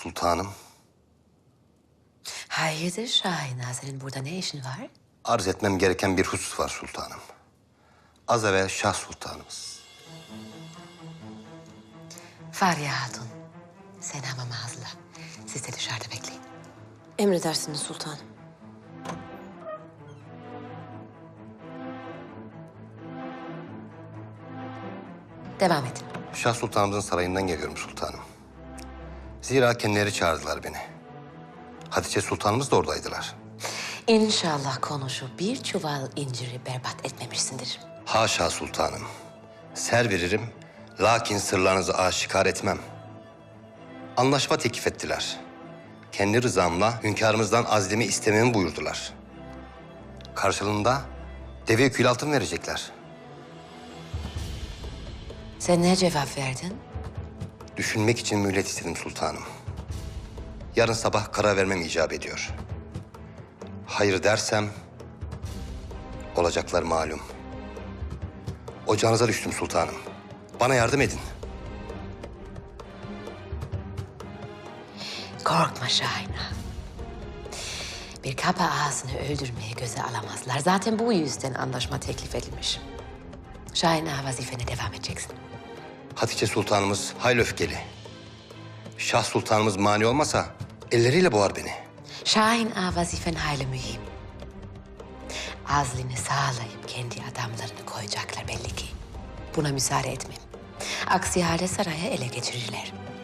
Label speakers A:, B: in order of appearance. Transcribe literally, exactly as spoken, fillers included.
A: Sultanım,
B: Hayırdır Şahin Ağa, senin burada ne işin var?
A: arz etmem gereken bir husus var sultanım. Az evvel Şah Sultanımız.
B: Fahriye Hatun, sen hamama hazırla. Siz de dışarıda bekleyin.
C: Emredersiniz sultanım.
B: Devam edin.
A: Şah Sultanımızın sarayından geliyorum sultanım. Zira kendileri çağırdılar beni. Hatice Sultanımız da oradaydılar.
B: İnşallah konuşu bir çuval inciri berbat etmemişsindir.
A: Haşa sultanım. Ser veririm, lakin sırlarınızı aşikar etmem. Anlaşma teklif ettiler. Kendi rızamla hünkârımızdan azlimi istememi buyurdular. Karşılığında deve kül altın verecekler.
B: Sen ne cevap verdin?
A: Düşünmek için mühlet istedim sultanım. Yarın sabah karar vermem icap ediyor. Hayır dersem olacaklar malum. Ocağınıza düştüm sultanım. Bana yardım edin.
B: Korkma Şahin Ağa. Bir kapa ağasını öldürmeye göze alamazlar. Zaten bu yüzden anlaşma teklif edilmiş. Şahin Ağa, vazifene devam edeceksin.
A: Hatice Sultanımız hayli öfkeli. Şah Sultanımız mani olmasa elleriyle boğar beni.
B: Şahin Ağa, vazifen hayli mühim. Azlini sağlayıp kendi adamlarını koyacaklar belli ki. Buna müsaade etmem. Aksi halde sarayı ele geçirirler.